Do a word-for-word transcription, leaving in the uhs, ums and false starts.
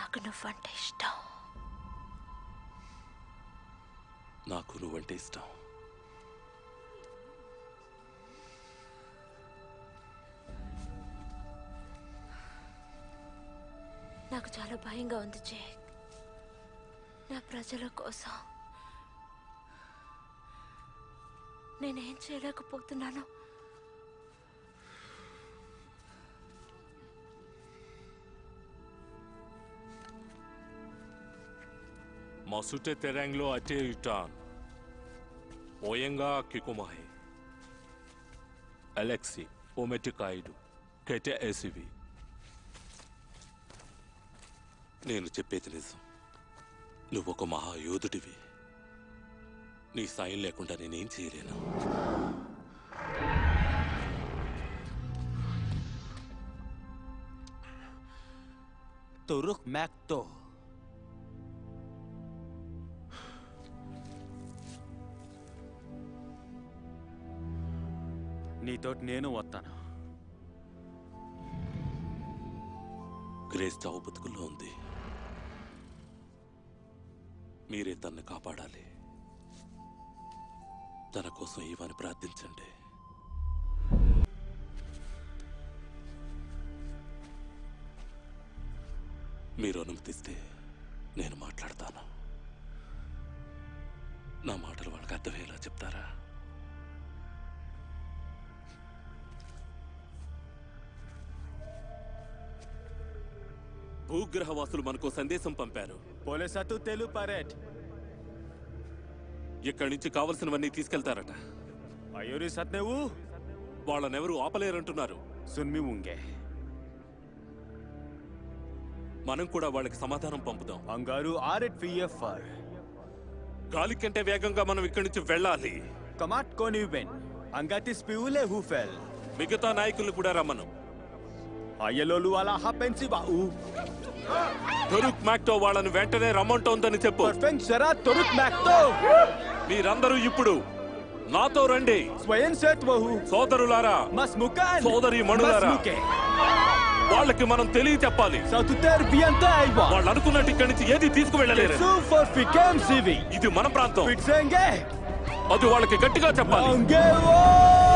నాకు నువ్వంటే ఇష్టం. నాకు నువ్వంటే ఇష్టం. నాకు చాలా భయంగా ఉంది జేక్. నా ప్రజల కోసం నేనేం చేయలేకపోతున్నాను. Masute terenglo ate utan. Oyenga kikumahi. Alexi, ometikaidu. Kete esivi. నేను చెప్పేది నిజం. నువ్వు ఒక మహాయోధుడివి. నీ సాయం లేకుండా నేనేం చేయలేను. Turuk Makto. నీతోటి నేను వస్తాను. గ్రేస్ చావు బతుకుల్లో ఉంది. మీరే తన్ని కాపాడాలి. తన కోసం ఇవని ప్రార్థించండి. మీరు అనుమతిస్తే నేను మాట్లాడతాను. నా మాటలు వాళ్ళకి అర్థమయ్యేలా చెప్తారా? భూగ్రహవాసులు మనకు సందేశం పంపారు. పోలీసతు తెలు పరేట్. ఇక్కడి నుంచి కావలసినవన్నీ తీసుకెళ్తారట. అయ్యూరి సత్నేవు వాళ్ళనెవరూ ఆపలేరంటున్నారు. సున్మి ఉంగే. మనం కూడా వాళ్ళకి సమాధానం పంపుదాం. అంగారు ఆరెట్ విఎఫ్ఆర్. గాలి కంటే వేగంగా మనం ఇక్కడి నుంచి వెళ్ళాలి. కమాట్ కోనివెన్ అంగాతిస్ పివులే హూఫెల్. మిగతా నాయకులను కూడా రమ్మను. అయ్యలోలు అలా హపెన్సి బావు. తురుక్ మాక్టో వాళ్ళని వెంటనే రమ్మంటోందని చెప్పు. పర్ఫెక్ట్ సరా తురుక్ మాక్టో. మీరందరూ ఇప్పుడు నాతో రండి. స్వయం సేత్వహు. సోదరులారా, మస్ముకాన్. సోదరి మణులారా, వాళ్ళకి మనం తెలియ చెప్పాలి. వాళ్ళు అనుకున్నట్టు ఇక్కడి నుంచి ఏది తీసుకువెళ్ళలేరు. ఇది మన ప్రాంతం. అది వాళ్ళకి గట్టిగా చెప్పాలి.